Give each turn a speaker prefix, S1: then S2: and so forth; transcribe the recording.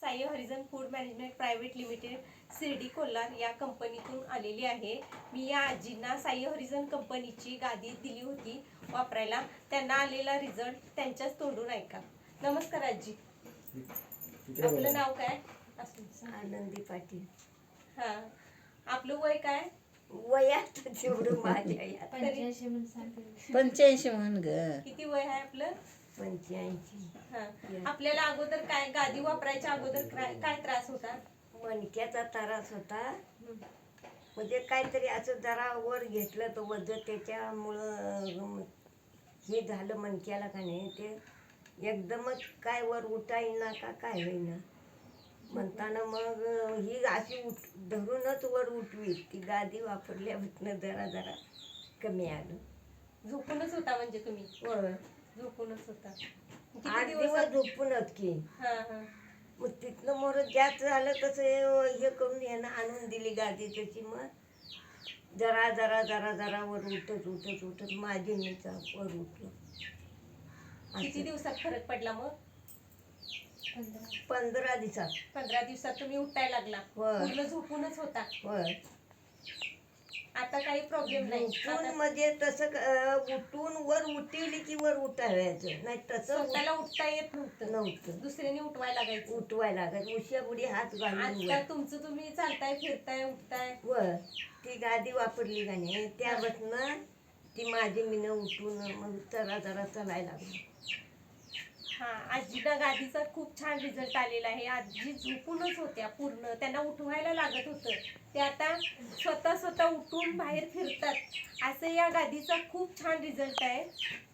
S1: Sai Harijan food management private limited Shirdi Kolhar या कंपनीतून आलेली आहे। मी या आजींना साई हरिजन कंपनीची गादी दिली होती वापरायला, त्यांना आलेला रिझल्ट त्यांच्याच तोंडून ऐका। नमस्कार आजी, आपलं नाव काय?
S2: आनंदी पाटील।
S1: हा, आपलं वय काय?
S2: वयात जेवढं माझ्या यात
S3: 85 म्हण ग।
S1: किती वय आहे आपलं?
S2: 85।
S1: हा, आपल्याला अगोदर काय गादी वापरायच्या अगोदर काय त्रास होता?
S2: मणक्याचा त्रास होता, म्हणजे काहीतरी असं जरा वर घेतलं तर वजन त्याच्यामुळं हे झालं मणक्याला का नाही, ते एकदमच काय वर उठायना का काय होईना म्हणताना मग ही अशी धरूनच वर उठवी। ती गादी वापरल्यापासून जरा जरा कमी आलं।
S1: झोपूनच होता म्हणजे तुम्ही?
S2: होय,
S1: झोपूनच होता।
S2: 8 दिवस झोपूनच की।
S1: हा हा,
S2: मग तिथनं मोर जास्त झालं तसं हे करून यानं आणून दिली गादी त्याची। मग जरा जरा जरा जरा वर उठत माझी मीचा वर उठलं।
S1: किती दिवसात फरक पडला मग?
S2: 15 दिवसात।
S1: 15 दिवसात तुम्ही उठायला लागला?
S2: होय.
S1: पूर्ण झोपूनच होता?
S2: होय,
S1: आता काही प्रॉब्लेम नाही?
S2: उठून
S1: आता
S2: म्हणजे तसं उठून वर उठवली की वर उठावायचं, नाही तसं
S1: स्वतःला उठता येत नव्हतं?
S2: नव्हतं,
S1: दुसऱ्याने उठवायला लागायचं?
S2: उठवायला लागायचं, उश्या बुडी हात घालून
S1: आता
S2: वर.
S1: तुमचं तुम्ही चालताय, फिरताय, उठताय?
S2: वर ती गादी वापरली का नाही त्यापासून ती माझी मीनं उठून मग जरा जरा चालायला लागली।
S1: हा, आजीला गादीचा खूप छान रिझल्ट आलेला आहे। आजी झोपूनच होत्या पूर्ण, त्यांना उठवायला लागत होतं, ते आता स्वतः उठून बाहेर फिरतात। असं या गादीचा खूप छान रिझल्ट आहे।